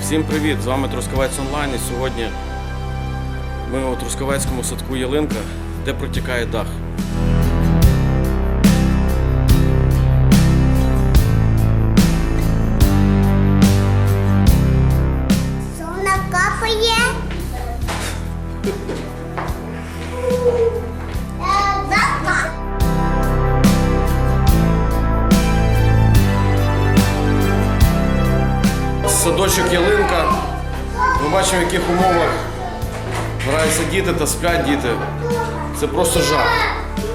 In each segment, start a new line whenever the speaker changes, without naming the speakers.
Всім привіт! З вами Трускавець Онлайн. І сьогодні ми у Трускавецькому садку Ялинка, де протікає дах.
Вона капає.
Садочок Ялинка. Ми бачимо, в яких умовах граються діти та сплять діти. Це просто жах.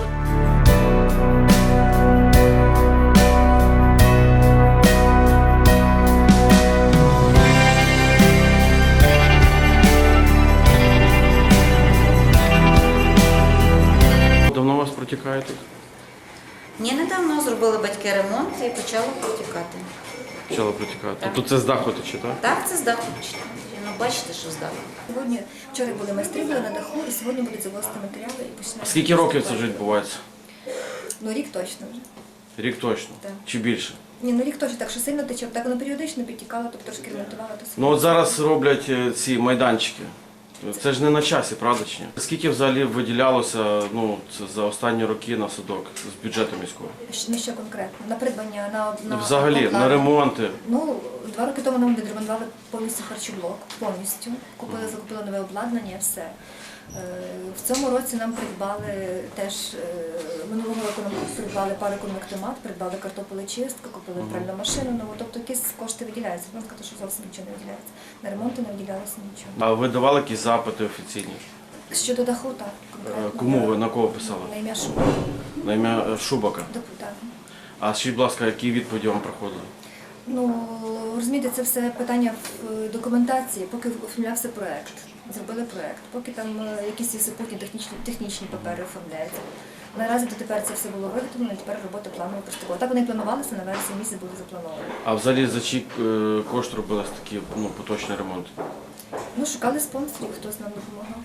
Давно у вас протікає тут?
Ні, недавно зробили батьки ремонт і почало протікати.
Почало протікати.
Так.
Тобто це з даху тече, так?
Так, це з даху. Ну, бачите, що з даху.
Сьогодні, вчора були майстри, були на даху, і сьогодні будуть завозити матеріали і починають.
Скільки років це вже відбувається?
Ну, рік точно вже.
Рік точно?
Так.
Чи більше?
Ні, ну рік точно так, що сильно тече, так воно періодично підтікало, тобто трошки ремонтувало. То
Ну от зараз роблять ці майданчики. Це ж не на часі, правда чи ні? Скільки взагалі виділялося це за останні роки на садок з бюджету міського?
На що конкретно? На придбання, на
Взагалі, на
обладнання?
ремонти.
Ну, 2 роки тому нам відремонтували повністю харчоблок, повністю. Закупили нове обладнання, все. В цьому році нам придбали теж, минулого року нам придбали пароконвектомат, придбали картополечистку, купили пральну машину нову, тобто якісь кошти виділяються. Можна сказати, що зовсім нічого не виділяється. На ремонти не виділялося нічого.
А ви давали якісь запити офіційні?
Щодо даху, так, конкретно.
Кому ви, на кого писали?
На ім'я Шубака.
На ім'я Шубака.
Депутат.
А скажіть, будь ласка, які відповіді вам приходили?
Ну, розумієте, це все питання в документації, поки оформлявся проєкт. Зробили проєкт, поки там якісь супутні технічні папери оформляються. Наразі дотепер це все було виготовлено, і тепер робота планово приступила. Так вони і планувалися, на вересні місяць були заплановані.
А взагалі за чий кошт робились такі поточні ремонти?
Ну, шукали спонсорів, хтось нам допомагав.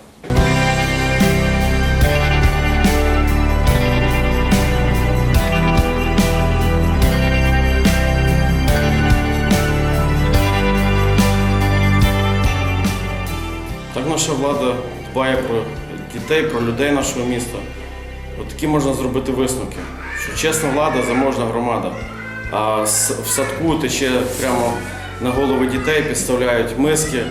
Так наша влада дбає про дітей, про людей нашого міста. От такі можна зробити висновки, що чесна влада, заможна громада. А в садку тече прямо на голови дітей, підставляють миски.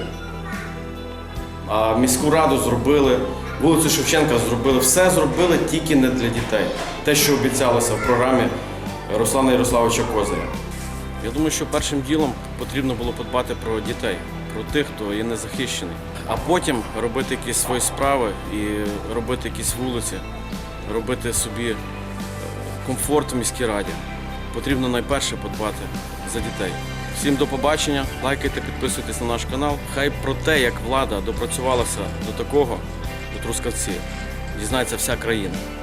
А міську раду зробили, вулицю Шевченка зробили. Все зробили тільки не для дітей. Те, що обіцялося в програмі Руслана Ярославовича Козиря. Я думаю, що першим ділом потрібно було подбати про дітей, про тих, хто є незахищений. А потім робити якісь свої справи і робити якісь вулиці, робити собі комфорт в міській раді. Потрібно найперше подбати за дітей. Всім до побачення, лайкайте, підписуйтесь на наш канал. Хай про те, як влада допрацювалася до такого, до Трускавців, дізнається вся країна.